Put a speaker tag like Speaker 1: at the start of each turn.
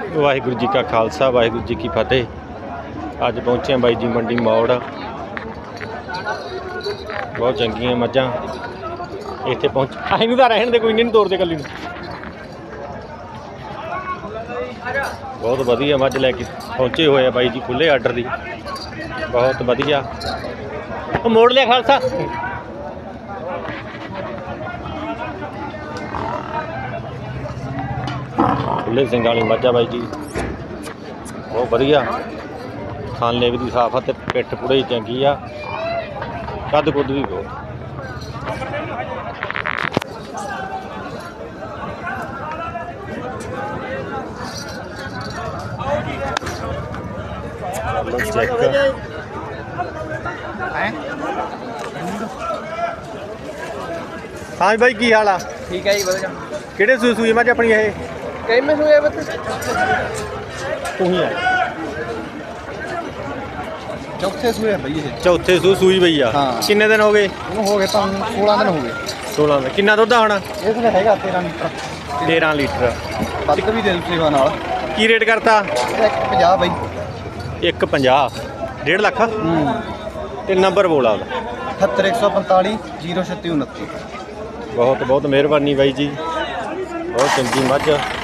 Speaker 1: वाहिगुरू जी का खालसा वाहिगुरू जी की फतेह। अज पहुँचे बाई जी मंडी मौड़। बहुत चंगियां मझां इत्थे पहुँच असीं तो रहन दे कोई नहीं तोड़ते कली बहुत वधिया मझ लैके पहुँचे हुए हैं बाई जी खुले आर्डर की बहुत वधिया मोड़ लिया खालसा खुले सिंग वाली मझा बाई जी बहुत वधिया खान लेव की साफ है पिठ पूरी चंगी आ कद कुद भी बहुत चेक हाँ भाई की हाल आ
Speaker 2: ठीक है जी बढ़िया
Speaker 1: किहड़े सूई सूई मझ अपनी ये
Speaker 2: कई में हुए बत
Speaker 1: तू ही है
Speaker 2: चौथे सूए भई ये
Speaker 1: चौथे सूई पई आ
Speaker 2: हाँ।
Speaker 1: किन्ने दिन हो गए
Speaker 2: ਉਹਨੂੰ ਹੋ ਗਏ ਤਾਂ 16 ਦਿਨ ਹੋ ਗਏ
Speaker 1: 16 दिन किन्ना दुद्ध आना
Speaker 2: ਇਸ ਦਾ ਹੈਗਾ 13 ਲੀਟਰ
Speaker 1: 13 लीटर
Speaker 2: ਵੱਧ ਵੀ ਦੇ ਦੂ ਸੇਵਾ ਨਾਲ
Speaker 1: की रेट करता
Speaker 2: 150 ਬਈ
Speaker 1: 150 1.5 लाख ते नंबर बोला
Speaker 2: 78145 03629
Speaker 1: बहुत बहुत मेहरबानी बाई जी बहुत चंगी मझ